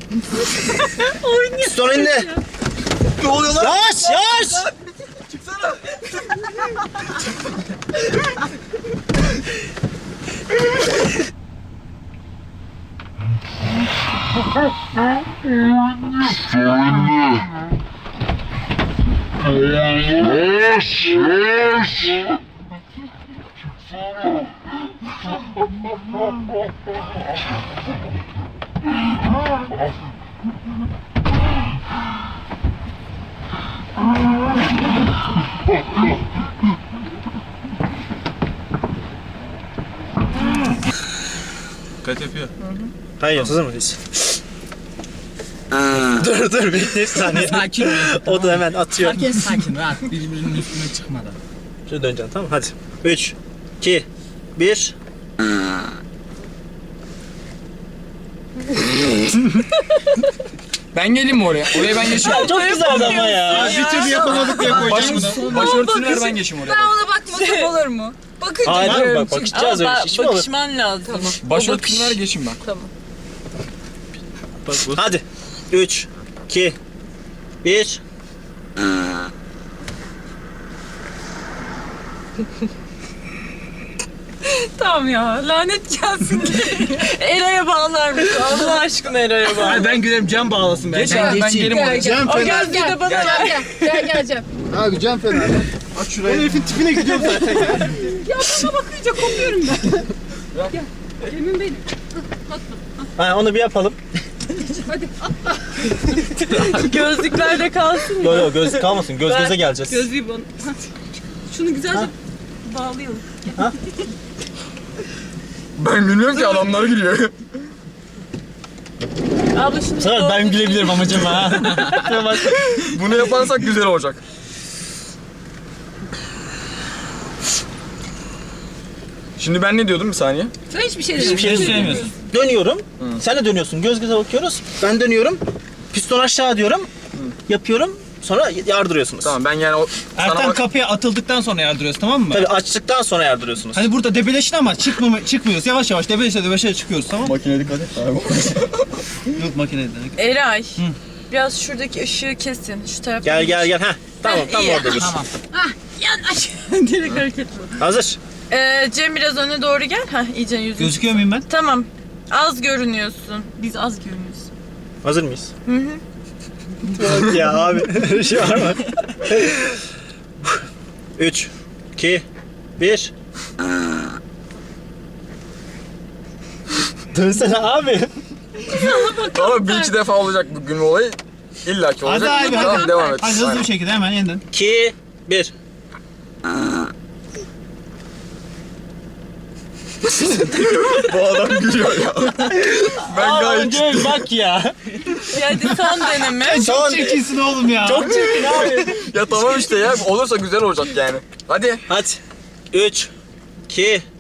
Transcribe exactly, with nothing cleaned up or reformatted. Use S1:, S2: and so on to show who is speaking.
S1: Piston indi.
S2: Ne oluyor lan?
S1: Yavaş yavaş.
S2: Çıksana. Dikkat yapıyor.
S1: Hayır, hazır mıyız? dur dur bekle bir saniye.
S3: Sakin ol.
S1: O da hemen atıyor.
S3: Herkes sakin, rahat. Birbirinin üstüne çıkmadan.
S1: Şöyle döneceksin, tamam, hadi. üç, iki, bir.
S2: Ben geleyim mi oraya? Oraya ben geçeyim.
S1: Çok güzeldi ama ya.
S3: Bir türlü yapamadık diye koyacağım bunu.
S2: Başörtüsünü ver ben geçeyim oraya.
S4: Ben ona bakmasam olur mu? Bakınca
S1: Hayır,
S4: görüyorum
S1: bak,
S4: çünkü.
S1: bakışacağız öyle
S5: Ama
S1: şey. Hiç mi olur?
S5: bakışman lazım. Tamam.
S2: Başörtüsünü ver geçeyim ben.
S5: Tamam.
S1: Bak, bu. Hadi. üç, iki, bir.
S5: Tamam ya, lanet gelsin. Eray'a bağlar mısın? Allah aşkına Eray'a bağlar.
S3: Hayır, ben gülerim, Cem bağlasın ben.
S2: Geç abi ben geleyim oraya.
S4: Gel
S5: O gözlüğü de bana ver.
S4: gel gel gel gel.
S6: Abi Cem fena.
S1: Aç şurayı. Ben herifin tipine gidiyorum zaten ya.
S4: Ya bana bakınca kopuyorum ben. Gel. Emin benim.
S1: Ha, onu bir yapalım.
S4: Hadi.
S5: Gözlüklerde kalsın.
S1: Yok yok, göz kalmasın. Göz
S5: Ben-
S1: göze geleceğiz.
S5: Gözlüğü bana.
S4: Şunu güzelce bağlayalım.
S2: Ben gülüyorum ki adamlar gülüyor.
S5: Abla şunu
S1: Sıra ben gülebilirim amacım ha.
S2: Bunu yaparsak güzel olacak. Şimdi ben ne diyordum bir saniye?
S4: Sen hiçbir şey
S1: Hiçbir
S4: demiyorsun.
S1: şey söylemiyorsun. Dönüyorum. Sen de dönüyorsun. Göz göze bakıyoruz. Ben dönüyorum. Piston aşağı diyorum. Yapıyorum. Sonra yardırıyorsunuz.
S2: Tamam ben yani o
S3: Ertan
S2: sana bak-
S3: kapıya atıldıktan sonra yardırıyoruz, tamam mı?
S1: Tabii açtıktan sonra yardırıyorsunuz.
S3: Hani burada debeleşin ama çıkmama, çıkmıyoruz. Yavaş yavaş debeleşe debeleşe çıkıyoruz, tamam mı?
S2: Makine dikkat et.
S3: Yok makinede.
S5: Eray. Biraz şuradaki ışığı kesin. Şu tarafta.
S1: Gel gel gel. Heh. Tamam tam
S5: iyi.
S1: orada dur.
S3: Tamam.
S5: Yanaş. Direkt hareket bu.
S1: Hazır.
S5: Ee, Cem biraz öne doğru gel. Heh, iyice yüzün.
S3: Gözüküyor muyum ben?
S5: Tamam. Az görünüyorsun. Biz az görünüyoruz.
S1: Hazır mıyız?
S5: Hı hı.
S1: Yok ya abi. Bir şey var mı? üç, iki, bir. Dönsene abi.
S2: Ama bir iki defa olacak bu gülme olayı. İlla ki olacak.
S3: Hadi abi, hadi.
S2: Tamam devam et.
S3: Hadi hızlı
S2: Aynen.
S3: bir şekilde hemen yeniden.
S1: iki, bir.
S2: Bu adam gülüyor ya. Ben gayet
S1: Gel bak ya.
S5: Hadi son deneme.
S1: Son.
S3: Çirkinsin oğlum ya.
S1: Çok çirkin abi.
S2: ya tamam işte ya olursa güzel olacak yani. Hadi.
S1: Hadi. üç, iki,